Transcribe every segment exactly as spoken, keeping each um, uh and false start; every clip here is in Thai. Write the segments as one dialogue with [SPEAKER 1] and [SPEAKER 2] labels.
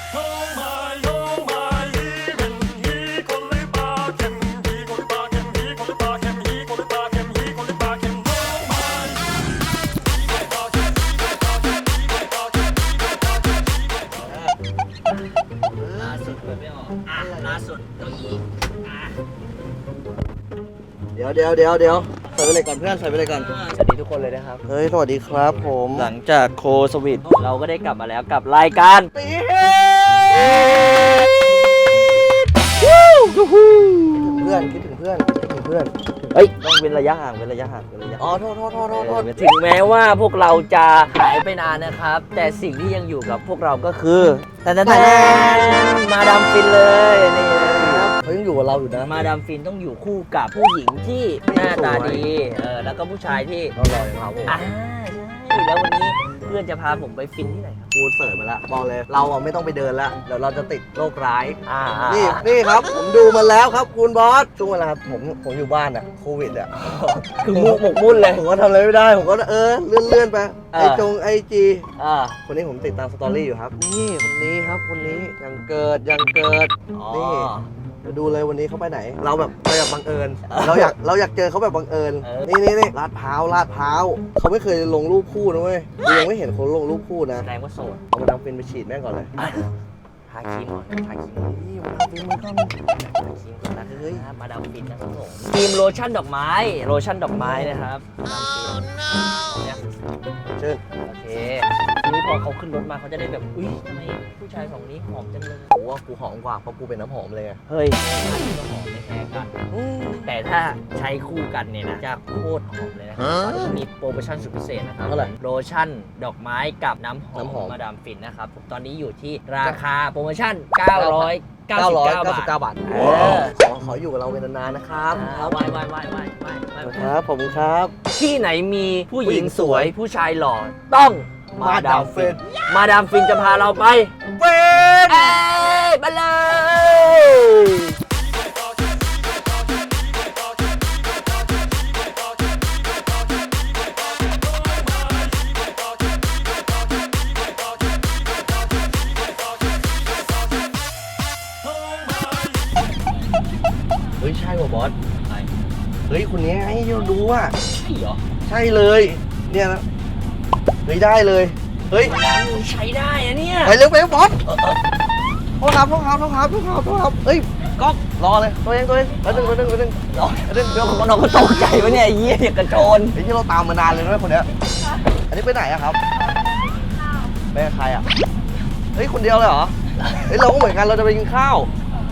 [SPEAKER 1] ล่าสุดเปิดไม่ออกอ่ะล่าสุดเก้าอี้อ่ะ
[SPEAKER 2] เดี๋ยวเดี๋ยวเดี๋ยวเดี๋ยวใส่ไปเลยก่อนเพื่อนใส่ไปเลยก่อน
[SPEAKER 1] สวัสดีทุกคนเลยนะครับ
[SPEAKER 2] เฮ้ยสวัสดีครับผม
[SPEAKER 1] หลังจากโคสวิตเราก็ได้กลับมาแล้วกับรายการ
[SPEAKER 2] ตีเฮ้เพื่อนคิดถึงเพื่อนคิดถึงเพื่อน
[SPEAKER 1] เฮ้ยต้องเว้นระยะห่างเว้นระยะห่างเว้นระยะ
[SPEAKER 2] อ๋อโทษโทษโทษโทษโทษ
[SPEAKER 1] ถึงแม้ว่าพวกเราจะหายไปนานนะครับ แต่สิ่งที่ยังอยู่กับพวกเราก็คือแต่แต่แต่มาดามฟินเลยนี่นะครับ
[SPEAKER 2] เขายังอยู่กับเราอยู่นะ
[SPEAKER 1] มาดามฟินต้องอยู่คู่กับผู้หญิงที่หน้าตาดีเออแล้วก็ผู้ชายที่
[SPEAKER 2] เรารออย่างเราผม
[SPEAKER 1] อ่าใช่แล้ววันนี้เพื่อนจะพาผมไปฟินที่ไหนครับ
[SPEAKER 2] กูเสิร์ชมาแล้วบอกเลยเราอะไม่ต้องไปเดินแล้วเดี๋ยวเราจะติดโรคร้าย
[SPEAKER 1] อ่า
[SPEAKER 2] นี่นี่ครับผมดูมาแล้วครับคุณบอสช่วงเวลาผมผมอยู่บ้านอะโควิดอะ
[SPEAKER 1] คือมุกหมกมุ่นเลย
[SPEAKER 2] ผมก็ทำอะไรไม่ได้ผมก็เออเลื่อนเลื่อนไป
[SPEAKER 1] เออ
[SPEAKER 2] ไอจงไอจี
[SPEAKER 1] อ่า
[SPEAKER 2] คนนี้ผมติดตามสตอรี่อยู่ครับนี่คนนี้ครับคนนี้ยังเกิดยังเกิด
[SPEAKER 1] อ๋อ
[SPEAKER 2] นี่ เดี๋ยวดูเลยวันนี้เขาไปไหน เราแบบเราอยากบังเอิญ เราอยากเราอยากเจอเขาแบบบังเอิญ
[SPEAKER 1] เออ
[SPEAKER 2] นี่นี่นี่ลาดพร้าวลาดพร้าวเขาไม่เคยลงรูปคู่นะเว้ยกูยังไม่เห็นคนลงรูปคู่นะ
[SPEAKER 1] แสดงว่าโสด
[SPEAKER 2] เอามาดามฟินไปฉีดแม่งก่อนเลย
[SPEAKER 1] ทาครีมก่อนทาครีมก่อน
[SPEAKER 2] นี่มาดามฟินมันก็มี
[SPEAKER 1] ทาครีมก่อนนะเฮ้ยมาดามฟินนะครับผมครีมโลชั่นดอกไม้โลชั่นดอกไม้นะครับมาดามฟินเนี่ย
[SPEAKER 2] เชิญ
[SPEAKER 1] โอเคทีนี้พอเขาขึ้นรถมาเขาจะได้แบบอุ้ยทำไมผู้ชายสองนี้หอมจังเลย
[SPEAKER 2] กูว่ากูหอมกว่าเพราะกูเป็นน้ำหอมเลยไง
[SPEAKER 1] เฮ้ยอันนี้ก็หอมไม่แพ้กัน
[SPEAKER 2] อืม
[SPEAKER 1] แต่ถ้าใช้คู่กันเนี่ยนะจะโคตรหอมเลยนะครับตอนนี้มีโปรโมชั่นสุดพิเศษนะครับ
[SPEAKER 2] เท่าไหร่
[SPEAKER 1] โลชั่นดอกไม้กับน้ำหอม
[SPEAKER 2] น้ำหอม
[SPEAKER 1] มาดามฟินนะครับผมตอนนี้อยู่ที่ราคาโปรโมชั่น เก้าร้อยเก้าสิบเก้า บาท
[SPEAKER 2] บาท
[SPEAKER 1] เออ
[SPEAKER 2] ขอขออยู่กับเราเป็นนานๆนะครับ
[SPEAKER 1] อ่าไหวไหวไหวไหวไหวไหว
[SPEAKER 2] ครับผมครับ
[SPEAKER 1] ที่ไหนมีผู้หญิงสวยผู้ชายหล่อต้องมาดามฟิน มาดามฟินจะพาเราไป
[SPEAKER 2] เป็น
[SPEAKER 1] เอ้ยไปเลย
[SPEAKER 2] เฮ้ยใช่ป่ะบอส
[SPEAKER 1] ใช่
[SPEAKER 2] เฮ้ยคนนี้ไงที่เราดูอ่ะ
[SPEAKER 1] เหรอ
[SPEAKER 2] ใช่เลย เนี่ยนะเฮ้ยได้เลย เฮ้ย
[SPEAKER 1] ใช้ได้อะเนี่ย
[SPEAKER 2] ไปเร็วไปเร็วบอสโทษครับโทษครับโทษครับโทษครับโทษครับเฮ้ยก๊อกรอเลยตัวเองตัวเองแล้วนึงแล้วนึงแล้วนึง
[SPEAKER 1] รอเรื่องเรื่องของเราก็ตกใจวะเนี่ยไอ้เหี้ยอย่างกระโจน
[SPEAKER 2] ไอ้ที่เราตามมานานเลยนะคนเนี้ยอันนี้ไปไหนอะครับไปกับใครอะเฮ้ยคนเดียวเลยเหรอเฮ้ยเราก็เหมือนกันเราจะไปกินข้าว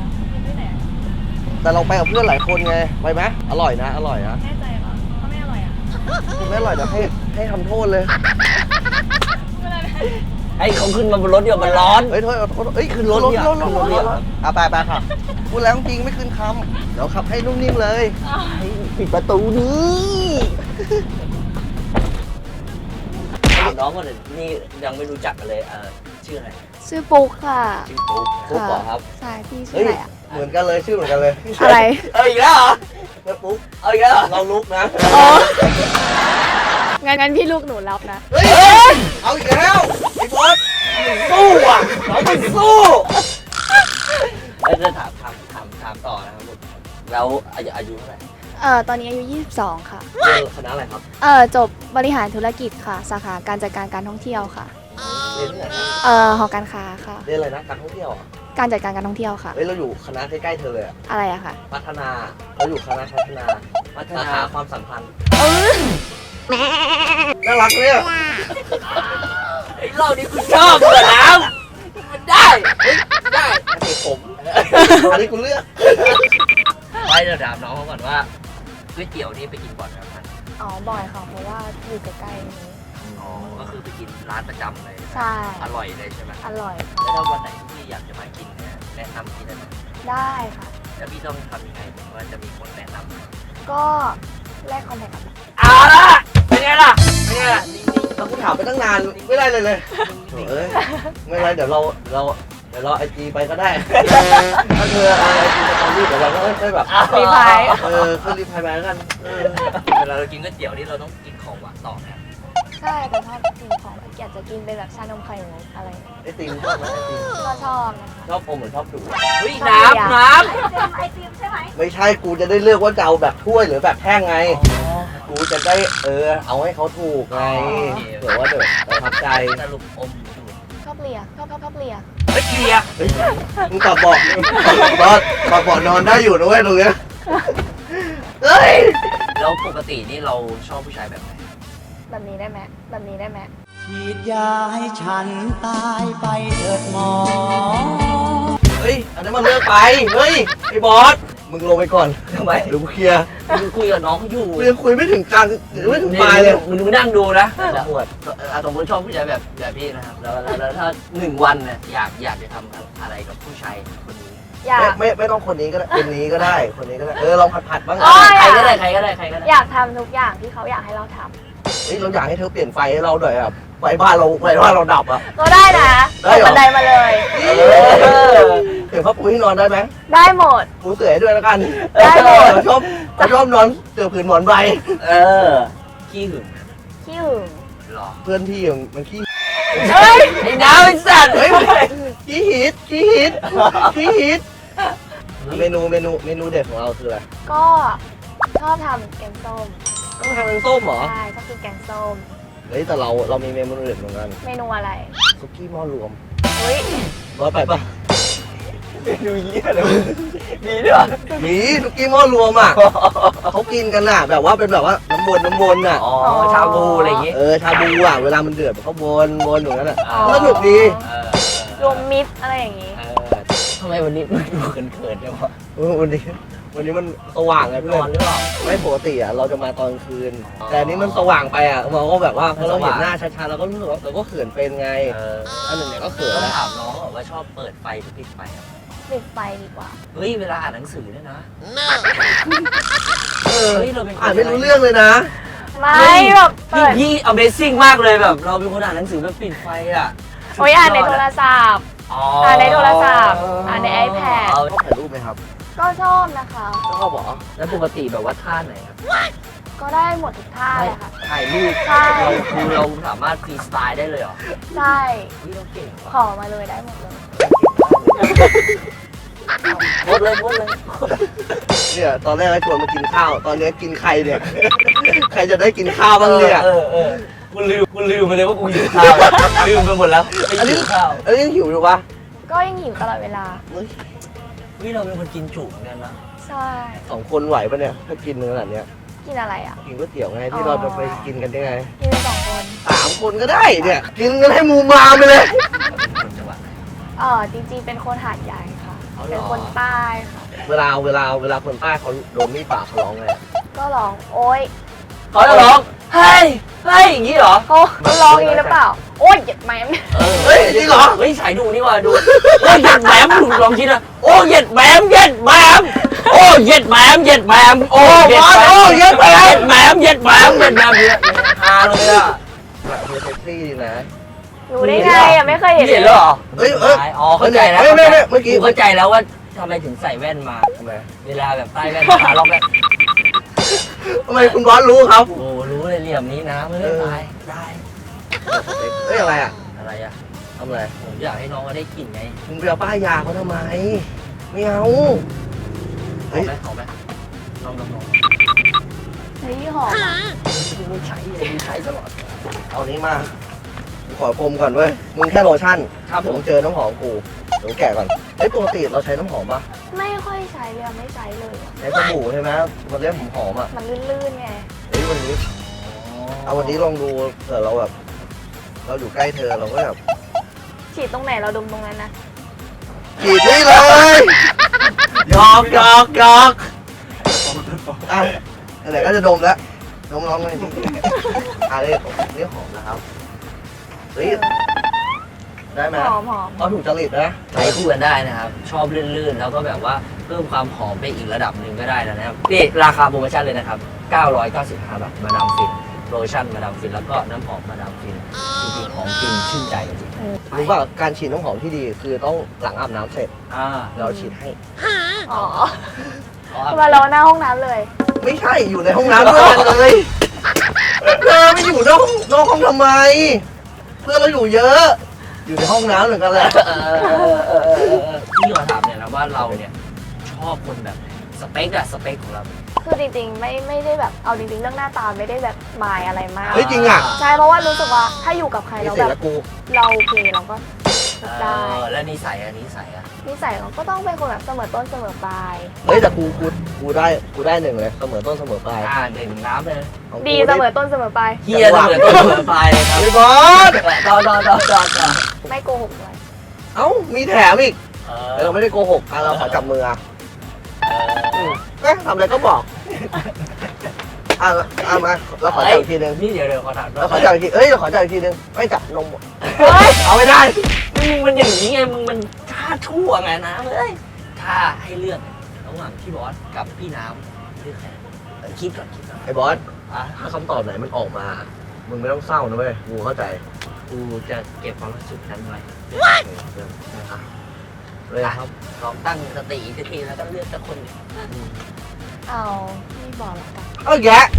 [SPEAKER 2] แต่เราไปกับเพื่อนหลายคนไงไปไหมอร่อยนะอร่อยนะ
[SPEAKER 3] แน่ใจเหรอถ้าไม่อร่อยอ่ะ
[SPEAKER 2] ไม่อร่อยเดี๋ยวให้ให้ทำโทษเลย
[SPEAKER 3] ไม่เป็นไร
[SPEAKER 1] ไอ้เขาขึ้นมาบนรถเดี๋ยวมันร้อน
[SPEAKER 2] เฮ้ยโทษโทษเฮ้ยขึ้นรถรถรถรถรถรถอ่ะไปไปค่ะพูดแล้วจริงไม่ขึ้นคำเดี๋ยวขับให้นุ่มนิ่มเลย
[SPEAKER 1] ไอ้ปิดประตูนี้ถามน้องก่อนเลยนี่ยังไม่รู้จักกันเลยเออชื่ออะไร
[SPEAKER 3] ชื่อปุ๊กค่ะ
[SPEAKER 1] ชื่อปุ๊กปุ๊กเหรอครับ
[SPEAKER 3] ใช่พี่ชื่
[SPEAKER 2] เฮ้
[SPEAKER 3] อย อะไรอ่ะ
[SPEAKER 2] เหมือนกันเลยชื่อเหมือนกันเลย
[SPEAKER 3] อะไร
[SPEAKER 1] เอ้ยอีกแล้วเหรอ
[SPEAKER 2] เฮ้ยปุ๊บ
[SPEAKER 1] เอาอีกแล้วเหรอ
[SPEAKER 2] เราลุกนะ
[SPEAKER 3] อ๋อ งั้นงั้นพี่ลูกหนูรับนะ
[SPEAKER 2] เฮ้ยเอาอีกแล้วไอ้บอส
[SPEAKER 1] สู้อ่ะเราไม่สู้แล้วจะถามถามถามถามต่อนะครับผมแล้วอายุอายุเท่าไหร่
[SPEAKER 3] เอ่อ ตอนนี้อายุ ยี่สิบสอง ค่ะ
[SPEAKER 2] เรียนคณะอะไรครับ
[SPEAKER 3] เอ่อ จบบริหารธุรกิจค่ะ สาขาการจัดการการท่องเที่ยวค่ะ
[SPEAKER 2] เรียนที่ไหนครับ
[SPEAKER 3] เอ่อ หอการค้าค่ะ
[SPEAKER 2] เรียนอะไรนะการท่องเที่ยวอ่ะ
[SPEAKER 3] การจัดการการท่องเที่ยวค่ะ
[SPEAKER 2] เฮ้ยเราอยู่คณะใกล้ๆเธอเลยอะ
[SPEAKER 3] อะไรอะค่ะ
[SPEAKER 2] พัฒนาเราอยู่คณะพัฒนา
[SPEAKER 1] พัฒ
[SPEAKER 2] สา
[SPEAKER 1] นา
[SPEAKER 2] ขาความสัมพันธ์
[SPEAKER 3] เออ
[SPEAKER 2] น่ารักเนี่ย
[SPEAKER 1] ไอ้เรานี่กูชอบเหมือนน้ำมันได้เฮ้ยได้
[SPEAKER 2] อันนี้ผมอันนี้กูเลือก
[SPEAKER 1] ไปเดี๋ยวถามน้องเขาก่อนว่าก๋วยเตี๋ยวนี่ไปกินบ่อยไหมครับ
[SPEAKER 3] อ๋อ บ่อยค่ะ เพราะว่าอยู่ใกล้ๆนี้
[SPEAKER 1] อ๋อก็คือไปกินร้านประจำเลย
[SPEAKER 3] ใช่
[SPEAKER 1] อร่อยเลยใช่ไหม
[SPEAKER 3] อร่อย
[SPEAKER 1] แล้วถ้าวันไหนที่อยากจะมากินเนี่ยแนะนำที่ได้ไหม
[SPEAKER 3] ได้ค่ะ
[SPEAKER 1] แล้วพี่ต้องทำยังไงถึงว่าจะมีคนแนะนำ
[SPEAKER 3] ก็แลกคอนแทคกัน
[SPEAKER 1] เอาละเป็นไงล่ะเป็นไงล่ะนิ่ง
[SPEAKER 2] เรากูถามไปตั้งนานไม่ได้เลยเลยโถ่เอ้ยไม่เป็นไรเดี๋ยวเราเราเดี๋ยวเราไอจีไปก็ได้ถ้าเธอเอาไอจีไปตอนนี้เดี๋ยวเราก็ได้แบบ
[SPEAKER 3] รีพาย
[SPEAKER 2] เออขึ้นรีพายมาแล้วกันเออ
[SPEAKER 1] ๆเวลาเรากินก๋วยเตี๋ยวนี่เราต้องกินของหวานต่อนะ
[SPEAKER 3] ใช่แต่ชอบกินของอยากจะกินเป็นแบบชานมไข่มุกอะไรอย่างเงี้ย
[SPEAKER 2] ไอติมชอบไหมไอติม
[SPEAKER 3] ก็ชอบนะคะ
[SPEAKER 2] ชอบอมหรือชอบดูด
[SPEAKER 1] เฮ้ยน้ำน้
[SPEAKER 3] ไอติมใช่ไหม
[SPEAKER 2] ไม่ใช่กูจะได้เลือกว่าจะเอาแบบถ้วยหรือแบบแท่งไง
[SPEAKER 1] ำ
[SPEAKER 2] กูจะได้เออเอาให้เขาถูกไงเผื่อว่าเดี๋ยวประทับใจ
[SPEAKER 1] สรุปอมดูด
[SPEAKER 3] ชอบเลียชอบชอบชอบเลีย
[SPEAKER 1] เฮ้ยเคลียร์
[SPEAKER 2] เฮ้ยมึงตอบบอกบอสตอบบอกนอนได้อยู่นะเว้ยตรงเนี้ยเฮ้ย
[SPEAKER 1] แล้วปกตินี่เราชอบผู้ชายแบบไหน
[SPEAKER 3] แบบนี้ได้ไหมแบบนี้ได้ไหม
[SPEAKER 4] ฉีดยาให้ฉันตายไปเถิดหมอ
[SPEAKER 2] เฮ้ยอันนั้นมันเลิกไปเฮ้ยไอ้บอสมึงลงไปก่อน
[SPEAKER 1] ทำไม
[SPEAKER 2] เดี๋ยวกูเคลียร์
[SPEAKER 1] มึงคุยกับน้องเขาอยู่
[SPEAKER 2] กูยังคุยไม่ถึงกลางไม่ถึงปลายเลย
[SPEAKER 1] มึงนั่งดูนะ
[SPEAKER 2] แล้วปวด
[SPEAKER 1] อาสมมติชอบผู้ชายแบบแบบพี่นะครับแล้วแล้วแล้วถ้าหนึ่งวันเนี่ยอยากอยากจะทำอะไรกับผู้ชายคนนี้
[SPEAKER 3] อยาก
[SPEAKER 2] ไม่ไม่ไม่ต้องคนนี้ก็ได้คนนี้ก็ได้คนนี้ก็ได้เออลองผัดผัดๆบ้าง
[SPEAKER 3] โอ้ย
[SPEAKER 1] ใครก็ได้ใครก็ได้ใครก็ได้
[SPEAKER 3] อยากทำทุกอย่างที่เขาอยากให้เราท
[SPEAKER 2] เฮ้ยเราอยากให้เธอเปลี่ยนไฟให้เราหน่อยอ่ะไฟบ้านเราไฟบ้านเราดับอ่ะ
[SPEAKER 3] ำก็ได้นะ
[SPEAKER 2] ได้เหรอ
[SPEAKER 3] บันไดมาเลย
[SPEAKER 2] เออเห็นผ้าปูที่นอนได้ไหม
[SPEAKER 3] ได้หมด
[SPEAKER 2] ปูเสื่อให้ด้วยแล้วกัน
[SPEAKER 3] ได้หมด
[SPEAKER 2] เราชอบเราชอบนอนเสื่อผืนหมอนใบ
[SPEAKER 1] เออขี้หึง
[SPEAKER 3] ขี้หึง
[SPEAKER 1] หรอ
[SPEAKER 2] เพื่อนพี่มันขี้
[SPEAKER 3] เฮ้ย
[SPEAKER 1] ไอ้น้ำไอ้สัตว์
[SPEAKER 2] เฮ้ยขี้ฮิตขี้ฮิตขี้ฮิตเมนูเมนูเมนูเด็ดของเราคืออะไร
[SPEAKER 3] ก็ชอบทำแกงส้ม
[SPEAKER 2] ต้องทำเป็นส้มเหรอ
[SPEAKER 3] ใช่ชอบกินแกงส้ม
[SPEAKER 2] เฮ้ยแต่เราเรามีเมนูเด็ดเหมือนกัน
[SPEAKER 3] เมนูอะไร
[SPEAKER 2] ซุกี้หม้อรวม
[SPEAKER 3] เฮ้ย
[SPEAKER 2] ร้อยไปปะ
[SPEAKER 1] เมนูเยี่ยเลยมีด้วยเหรอ
[SPEAKER 2] มีซุกี้หม้อรวมอ่ะเขากินกันน่ะแบบว่าเป็นแบบว่าน้ำวนน้ำวนอ่ะ
[SPEAKER 1] อ๋อชาบูอะไรอย่างงี้
[SPEAKER 2] เออชาบูอ่ะเวลามันเดือดมันก็วนวนอย่างนั้นอ่ะ
[SPEAKER 1] อ๋อ
[SPEAKER 2] สนุกดี
[SPEAKER 1] เออ
[SPEAKER 3] รวมมิตรอะไรอย่างนี้
[SPEAKER 1] เออทำไมวันนี้มึงดูเขินๆจังวะ
[SPEAKER 2] เออวันนี้วันนี้มันสว่างไง
[SPEAKER 1] น
[SPEAKER 2] เพื่
[SPEAKER 1] อ
[SPEAKER 2] อน น
[SPEAKER 1] หรือเปล่า
[SPEAKER 2] ไม่ปกติอ่ะเราจะมาตอนคืน
[SPEAKER 1] อ๋อ
[SPEAKER 2] แต่อันนี้มันสว่างไปอ่ะเราก็แบบว่าพอเรา
[SPEAKER 1] ส
[SPEAKER 2] เห็
[SPEAKER 1] ว่าน ง
[SPEAKER 2] หน้าชัดๆเราก็รู้สึกว่าเราก็เขินเป็นไง
[SPEAKER 1] เออ
[SPEAKER 2] อันหนึ่งเนี่ยก็เขิน
[SPEAKER 1] ต้อง
[SPEAKER 2] แล้ว
[SPEAKER 1] ถามน้องว่าชอบเปิดไฟหรือปิดไฟครับ
[SPEAKER 3] ปิดไฟดีกว่า
[SPEAKER 1] เฮ้ยเวลาอ่านหนังสือเนี่ยนะ
[SPEAKER 2] เออ
[SPEAKER 1] เฮ้ยเราเป็นคน
[SPEAKER 2] อ่านไม่รู้เรื่องเลยนะ
[SPEAKER 3] ไม่แบบเปิ
[SPEAKER 1] พี่
[SPEAKER 3] ด
[SPEAKER 1] พี่ Amazing มากเลยแบบ เราเป็นคนอ่านหนังสือแบบปิดไฟอ่ะ
[SPEAKER 3] โอ้ยอ่านในโทรศัพท์
[SPEAKER 1] อ๋อ
[SPEAKER 3] อ่านในโทรศัพท์อ่านใน iPad
[SPEAKER 1] เอา
[SPEAKER 2] ชอบถ่ายรูปไหมครับ
[SPEAKER 3] ก็ชอบนะคะ
[SPEAKER 2] ชอบเหรอ
[SPEAKER 1] แล้วปกติแบบว่าท่าไหนครับ
[SPEAKER 3] ก็ได้หมดทุกท่า
[SPEAKER 1] ไม่
[SPEAKER 3] เลยค่ะ
[SPEAKER 1] ถ่ายรูป
[SPEAKER 3] ใช่
[SPEAKER 1] เราคือเราสามารถฟรีสไตล์ได้เลยเหรอ
[SPEAKER 3] ใช่
[SPEAKER 1] เฮ้ยเราเก่ง
[SPEAKER 3] ข
[SPEAKER 1] ว่ะ
[SPEAKER 3] อมาเลยได้หมดเลย
[SPEAKER 1] หมดเลยหมดเลย
[SPEAKER 2] เนี่ยตอนแรกให้ชวนมากินข้าว ตอนนี้กินใครเนี่ย ใครจะได้กินข้าวบ้างเนี่ย
[SPEAKER 1] เออเออกูลืมกูลืมไปเลยว่ากูหิวข้าว ลืมไปหมดแล้วไปหิวข้าว
[SPEAKER 2] เอ้ยยังหิวอยู่ปะ
[SPEAKER 3] ก็ยังหิวตลอดเวลา
[SPEAKER 2] เฮ้ย
[SPEAKER 1] เฮ้ยเราเป็นคนกินจุเหมือนกันนะ
[SPEAKER 3] ใช่
[SPEAKER 2] สองคนไหวปะเนี่ยถ้ากินขนาดเนี้ย
[SPEAKER 3] กินอะไรอ่ะ
[SPEAKER 2] กินก๋วยเตี๋ยวไงที่เราจะไปกินกันได้ไง
[SPEAKER 3] กินเป็นสองคน
[SPEAKER 2] สามคนก็ได้เนี่ยกินกันให้มูมามไปเลย
[SPEAKER 1] คนจังหวัดไหน
[SPEAKER 3] เออจริงๆเป็นคนหาดใหญ่ค่ะ
[SPEAKER 1] เอาเหรอ
[SPEAKER 3] เป็นคนใต้ค่ะ
[SPEAKER 2] เวลาเวลาเวลาคนใต้เขาโดนมีดปากเขาร้องไง
[SPEAKER 3] ก็ร้องโอ๊ย
[SPEAKER 1] เขาจะร้องเฮ้ยเฮ้ยอย่างนี้เหรอ
[SPEAKER 3] เขาเขาร้องอย่างนี้หรือเปล่า โอ๊ยเหยียดแมม
[SPEAKER 2] เฮ้ยจริงเหรอ
[SPEAKER 1] เฮ้ยสายดูนี่ว่ะดูโอ้ยเหย็ดแหมมดูลองคิดนะโอ้ยเหย็ดแหมมเหย็ดแหมมโอ้ยเหย็ดแหมมเหย็ดแหมมโอ้ยเหย็ดแหมมเหย็ดแหมมเหย็ดแหมมเหย็ดแหมมเหย็ดแหมมเนี่ยฮาเลยอ่ะ
[SPEAKER 2] แบบเซ็กซี่ดีนะ
[SPEAKER 3] รู้ได้ไงอ่ะไม่เคยเห็น
[SPEAKER 1] เห็นแล้วเหรอ
[SPEAKER 2] เฮ้ยเอ้ย
[SPEAKER 1] อ๋อเข้าใจแล้ว
[SPEAKER 2] เฮ้ยไม่ไม่เมื่อกี้
[SPEAKER 1] เข้าใจแล้วว่าทำไมถึงใส่แว่นมา
[SPEAKER 2] ทำไม
[SPEAKER 1] เวลาแบบใต้แว่นขาล็อกแว่น
[SPEAKER 2] ทำไมคุณบอสรู้ครับ
[SPEAKER 1] โอ้รู้เลยเหลี่ยมนี้นะไม่ได้ตายได้
[SPEAKER 2] เฮ้ยอะไรอ่ะ
[SPEAKER 1] อะไรอ่ะ
[SPEAKER 2] ทำอะไร
[SPEAKER 1] ผมอยากให้น้องก็ได้กลิ่นไง
[SPEAKER 2] มึงไปเอาป้ายยาเขาทำไมไม่เอา
[SPEAKER 1] ขอไหมขอไหมลองลองลอง
[SPEAKER 3] เฮ้ยหอมอ่ะ
[SPEAKER 1] มึงใช้เลยมึงใช้ตลอด
[SPEAKER 2] เอานี้มากูขอพรมก่อนเว้ยมึงแค่โลชั่น
[SPEAKER 1] ครับผม
[SPEAKER 2] เดี๋ยวเจอน้ำหอมกูเดี๋ยวแกะก่อนเฮ้ยปกติเราใช้น้ำหอมปะ
[SPEAKER 3] ไม่ค่อยใช้เลยอะไม่ใช้เลยอะ
[SPEAKER 2] ใช้สบู่ใช่ไหมมันเรียกผมหอมอ่ะ
[SPEAKER 3] มันลื่นๆไง
[SPEAKER 2] เฮ้ยวันนี้เอาวันนี้ลองดูเผื่อเราแบบเราอยู่ใกล้เธอเราก็แบบ
[SPEAKER 3] ฉีดตรงไหนเราดมตรงนั้นนะ
[SPEAKER 2] กรีดนี่เลยหยอกหยอกหยอกอ่ะไหนๆก็จะดมแล้วดมลองเลยดิอ่ะนี่นี่หอมนะครับเฮ้ยได้ไหม
[SPEAKER 3] หอมหอม
[SPEAKER 2] เอาถูกจริตนะ
[SPEAKER 1] ใช้คู่กันได้นะครับ ชอบลื่นๆ แล้วก็แบบว่าเพิ่มความหอมไปอีกระดับหนึ่งก็ได้นะครับนี่ราคาโปรโมชั่นเลยนะครับ เก้าร้อยเก้าสิบห้า บาทมาดามฟินโลชั่นมาดามฟินแล้วก็น้ำหอมมาดามฟินจริงๆของจริงชื่นใจจริง
[SPEAKER 2] รู้ป่ะการฉีดน้ำหอมที่ดีคือต้องหลังอาบน้ำเสร็จ
[SPEAKER 1] ๆอ่า
[SPEAKER 2] เราฉีดให้
[SPEAKER 3] อ๋อ
[SPEAKER 1] อ๋อ
[SPEAKER 3] มาเราหน้าห้องน้ำเลย
[SPEAKER 2] ไม่ใช่อยู่ในห้องน้ำด้วยกันเลยเธอไม่อยู่นอกนอกห้องทำไม เพื่อนเราอยู่เยอะ อยู่ในห้องน้ำเหมือนกันแหละ
[SPEAKER 1] เออเออเออเออเออพี่ขอถามเนี่ยนะว่าเราเนี่ยชอบคนแบบไหนสเปคอะสเปคของเรา
[SPEAKER 3] คือจริงๆไม่ไม่ได้แบบเอาจริงๆเรื่องหน้าตาไม่ได้แบบหมายอะไรมาก
[SPEAKER 2] เฮ้ยจริงอ่ะ
[SPEAKER 3] ใช่เพราะว่ารู้สึกว่าถ้าอยู่กับใคร
[SPEAKER 2] นี่
[SPEAKER 3] แล้ว
[SPEAKER 2] เสร็
[SPEAKER 3] แบ
[SPEAKER 2] จแล้
[SPEAKER 3] บ
[SPEAKER 2] วกู
[SPEAKER 3] เราโอเคเราก็
[SPEAKER 1] เอ
[SPEAKER 3] ได้
[SPEAKER 1] อแล้วนิสัยอะนิสัยอะ
[SPEAKER 3] นิสัยเราก็ต้องเป็นคนแบบเสมอต้นเสมอปลาย
[SPEAKER 2] เฮ้ยแต่กูกูกูได้กูได้หนึ่งเลยเสมอต้นเสมอปลาย
[SPEAKER 1] อ่าหนึ่งน้ำเลย
[SPEAKER 2] ของกู
[SPEAKER 3] ดีเสมอต้นเสมอปลาย
[SPEAKER 1] เฮียเสมอต้นเสมอปลายเลยครับ
[SPEAKER 2] ไอ้บอส
[SPEAKER 1] ต่อต่อต่อต่อต่อ
[SPEAKER 3] ไม่โกหกเลย
[SPEAKER 2] เอ้ามีแถมอีก
[SPEAKER 1] เอ
[SPEAKER 2] เออไม่ได้โกหกอ่ะเราขอจับมืออ่ะ
[SPEAKER 1] เออ
[SPEAKER 2] เอ๊ะทำอะไรก็บอกอ่ะอ่ะมาเราขอจับอีกทีนึง
[SPEAKER 1] นี่เดี๋ยวเดี๋ยวขอถาม
[SPEAKER 2] เราขอจับอีกทีเอ้ยเราขอจับอีกทีนึงไม่จับนม
[SPEAKER 3] เฮ้ย
[SPEAKER 2] เอาไม่ได้
[SPEAKER 1] มึงมันอย่างนี้ไงมึงมันท่าทั่วไงนะเอ้ยถ้าให้เลือกระหว่างพี่บอสกับพี่น้ำเลือกใครเออคิดก่อนคิดก่อน
[SPEAKER 2] ไอ้บอส
[SPEAKER 1] อ่ะ
[SPEAKER 2] ถ้าคำตอบไหนมันออกมา มึงไม่ต้องเศร้านะเว้ยกูเข้าใจ
[SPEAKER 1] กูจะเก็บความรู้สึกนั้นไว้
[SPEAKER 2] นะครับเลย
[SPEAKER 1] นะ
[SPEAKER 2] ค
[SPEAKER 1] ค
[SPEAKER 2] รั
[SPEAKER 1] รับ บลองตั้งสติอีกทีแล้วก็เลือกสักคนหนึ่ง
[SPEAKER 3] เอาไม่บอกแล้วกัน
[SPEAKER 2] เอาแยะ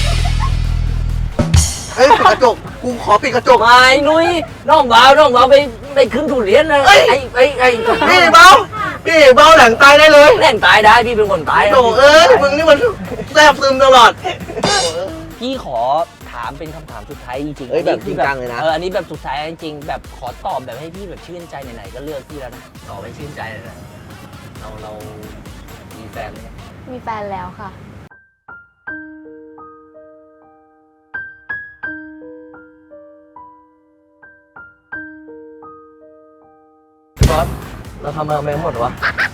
[SPEAKER 2] เอ้ยปิดกระจกกูขอปิดกระจก
[SPEAKER 1] ไม่นุ้ยน้องบ่าวน้องบ่าวไปไปขึ้นทุเรียนนะ
[SPEAKER 2] เอ้ย
[SPEAKER 1] ไอ้ไอ้ไอ้
[SPEAKER 2] พี่เบาพี่เบาหลังตายได้เลย
[SPEAKER 1] แรงตายได้พี่เป็นคนตายนะ
[SPEAKER 2] โถเอ้ยมึงนี่มันแซ่บซึมตลอด
[SPEAKER 1] พี่ขอถามเป็นคำถามสุดท้ายจริงๆ
[SPEAKER 2] เอ้ยแบบ
[SPEAKER 1] อัน
[SPEAKER 2] จริ
[SPEAKER 1] นี้
[SPEAKER 2] ง
[SPEAKER 1] คือ
[SPEAKER 2] จังเลยนะ
[SPEAKER 1] เอออันนี้แบบสุดท้ายจริงๆแบบขอตอบแบบให้พี่แบบชื่นใจไหนๆก็เลือกพี่แล้วนะตอบให้ชื่นใจเลยนะเราเรามีแฟนไหม
[SPEAKER 3] มีแฟนแล้วค่ะ
[SPEAKER 2] บอสเราทำมาไม่หมดวะ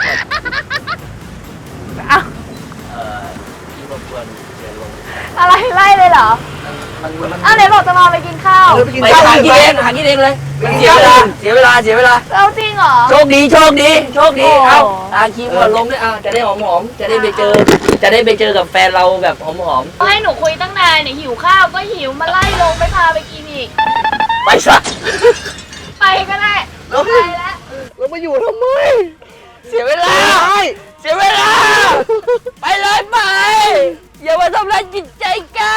[SPEAKER 3] อ้าว
[SPEAKER 1] เอ่อพี่รบกวนเดี๋ยวลง
[SPEAKER 3] อะไรไล่เลยเหรอ
[SPEAKER 1] มันมันมัน
[SPEAKER 3] อ้าวไหนบอกจะมาไปกินข้าว
[SPEAKER 2] เออไปกิน
[SPEAKER 1] ไป
[SPEAKER 2] ข้าว
[SPEAKER 1] หากิน
[SPEAKER 2] ไป
[SPEAKER 1] เองหากินเองเลยมันเสียเวลาเสียเวลาเสียเวลา
[SPEAKER 3] เราจริงเหรอ
[SPEAKER 1] โชคดีโชคดีโชคดี
[SPEAKER 3] โอ้
[SPEAKER 1] เอาอาคีมก่อนลงด้วยอ่ะจะได้หอมหอมๆจะได้ไปเจอ จะได้ไปเจอกับแฟนเราแบบหอมหอม
[SPEAKER 3] ให้หนูคุยตั้งนานเนี่ยหิวข้าวก็หิวมาไล่ลงไม่พาไปกินอีก
[SPEAKER 1] ๆไปซะ
[SPEAKER 3] ไปก็ได้
[SPEAKER 2] แล้ว
[SPEAKER 3] ไปแล้ว
[SPEAKER 2] เรามาอยู่ทำไม
[SPEAKER 1] เสียเวลา
[SPEAKER 2] ใช่
[SPEAKER 1] เสียเวลา ไปเลยไป อย่ามาทำร้ายจิตใจกัน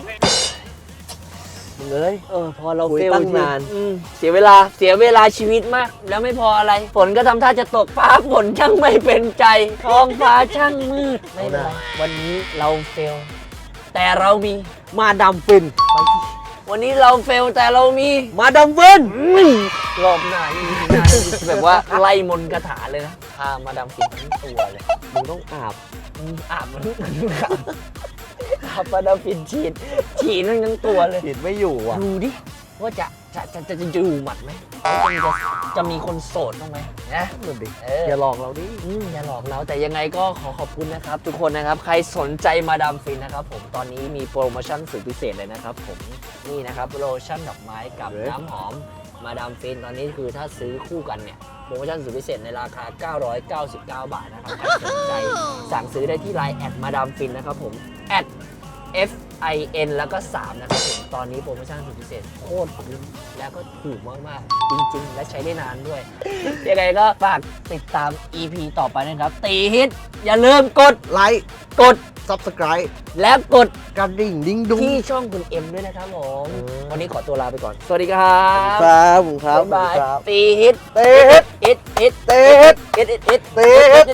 [SPEAKER 2] มึงเอ้ย
[SPEAKER 1] เออพอเรา
[SPEAKER 2] คุย
[SPEAKER 1] เฟล
[SPEAKER 2] ตั้ง
[SPEAKER 1] ที
[SPEAKER 2] นาน
[SPEAKER 1] อืมเสียเวลาเสียเวลาชีวิตมาก แล้วไม่พออะไร ฝนก็ทำท่าจะตกฟ้าฝนช่างไม่เป็นใจ ท้องฟ้าช่างมืด ไม่เป็นไรวันนี้เราเฟล แต่เรามี
[SPEAKER 2] มาดำฟิน
[SPEAKER 1] วันนี้เราเฟลแต่เรามี
[SPEAKER 2] มาดำฟิน
[SPEAKER 1] รอบหน้าอีพีหน้าแบบว่าไล่มนต์คาถาเลยนะพามาดำฟินทั้งตัวเลย
[SPEAKER 2] มึงต้องอาบ
[SPEAKER 1] อืมอาบมันอาบมาดำฟินฉีด ฉีดทั้งตัวเลย
[SPEAKER 2] ผิดไม่อยู่อ่ะ
[SPEAKER 1] ดูดิ ว่าจะจะจะจะจะอยู่หมัดไหมว่าจะจะมีคนโสดบ้างไหมนะ
[SPEAKER 2] นั่นดิ
[SPEAKER 1] เออ
[SPEAKER 2] อย่าหลอกเราดิ
[SPEAKER 1] อืมอย่าหลอกเราแต่ยังไงก็ขอขอบคุณนะครับ ทุกคนนะครับ ใครสนใจมาดามฟินนะครับผมตอนนี้มีโปรโมชั่นสุดพิเศษเลยนะครับผมนี่นะครับโลชั่นดอกไม้กับน้ำหอมมาดามฟินตอนนี้คือถ้าซื้อคู่กันเนี่ยโปรโมชั่นสุดพิเศษในราคา เก้าร้อยเก้าสิบเก้า บาทนะครับใครสนใจสั่งซื้อได้ที่ไลน์แอดมาดามฟินนะครับผมแอด F I N แล้วก็สามนะครับผมตอนนี้โปรโมชั่นสุดพิเศษโคตรคุ้มแล้วก็ถูกมากๆจริงๆ และใช้ได้นานด้วย ยังไงก็ฝากติดตาม อี พี ต่อไปนะครับ ตีฮิต อย่าลืมกด
[SPEAKER 2] ไลค์
[SPEAKER 1] กด
[SPEAKER 2] ซับสไครต์
[SPEAKER 1] และกด
[SPEAKER 2] กระดิ่งดิ้งดุ้ง
[SPEAKER 1] ที่ช่องคุณเอ็มด้วยนะครับผม
[SPEAKER 2] เออ
[SPEAKER 1] วันนี้ขอตัวลาไปก่อน สวัสดีครับ
[SPEAKER 2] ครับผมครับ
[SPEAKER 1] บ๊ายบาย
[SPEAKER 2] ครับ
[SPEAKER 1] ตีฮิต
[SPEAKER 2] เต๊ด
[SPEAKER 1] ฮิตฮิต
[SPEAKER 2] เต๊ด
[SPEAKER 1] ฮิตฮิต
[SPEAKER 2] เต๊ด